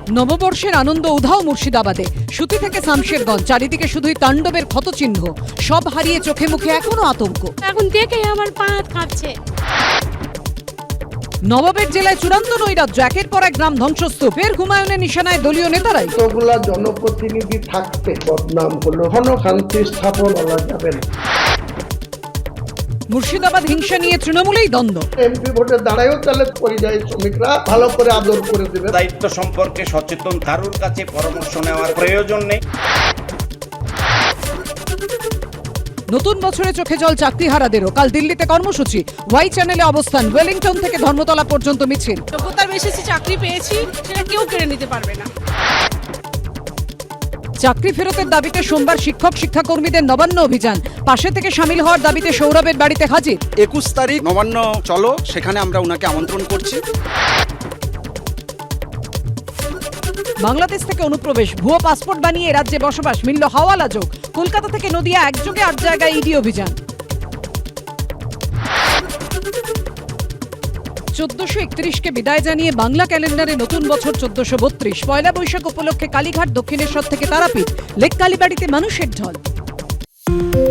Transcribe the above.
নববর্ষের আনন্দ উধাও মুর্শিদাবাদে। সুতি থেকে শামশেরগঞ্জ, চারিদিকে শুধুই তাণ্ডবের ক্ষতচিহ্ন। সব হারিয়ে চোখে মুখে এখনো আতঙ্ক। এখন দেখে আমার পা হাত কাঁপছে। নবাবের জেলায় চূড়ান্ত নৈরাজ্য, একের পর এক গ্রাম ধ্বংসস্তূপ। ফের হুমায়ুনের নিশানায় দলীয় নেতারাই। কতগুলা জনপ্রতিনিধি থাকতে বদনাম করলো, কোনো শান্তি স্থাপন করা যাবে না। মুর্শিদাবাদ হিংসা নিয়ে তৃণমূলেই দ্বন্দ্ব। এমপি ভোটে দাঁড়ায়ও তাহলে পরিযায়ী শ্রমিকরা ভালো করে আদর করে দেবে। দায়িত্ব সম্পর্কে সচেতন, কারোর কাছে পরামর্শ নেওয়ার প্রয়োজন নেই। নতুন বছরে চোখে জল চাকরিহারাদেরও। কাল দিল্লিতে কর্মসূচি, ওয়াই চ্যানেলে অবস্থান, ওয়েলিংটন থেকে ধর্মতলা পর্যন্ত মিছিল। যোগ্যতার বেশি চাকরি পেয়েছি, সেটা কেউ কেড়ে নিতে পারবে না। চাকরি ফেরতের দাবিতে সোমবার শিক্ষক শিক্ষাকর্মীদের নবান্ন অভিযান। পাশে থেকে সামিল হওয়ার দাবিতে সৌরভের বাড়িতে হাজির। 21 তারিখ নবান্ন চলো, সেখানে আমরা ওনাকে আমন্ত্রণ করছি। বাংলাদেশ থেকে অনুপ্রবেশ, ভুয়ো পাসপোর্ট বানিয়ে রাজ্যে বসবাস, মিলল হাওয়ালা যোগ। কলকাতা থেকে নদিয়া একযোগে 8 জায়গায় ইডি অভিযান। 1431কে বিদায় জানিয়ে বাংলা ক্যালেন্ডারে নতুন বছর 1432। পয়লা বৈশাখ উপলক্ষে কালীঘাট, দক্ষিণেশ্বর থেকে তারাপীঠ, লেক কালীবাড়িতে মানুষের ঢল।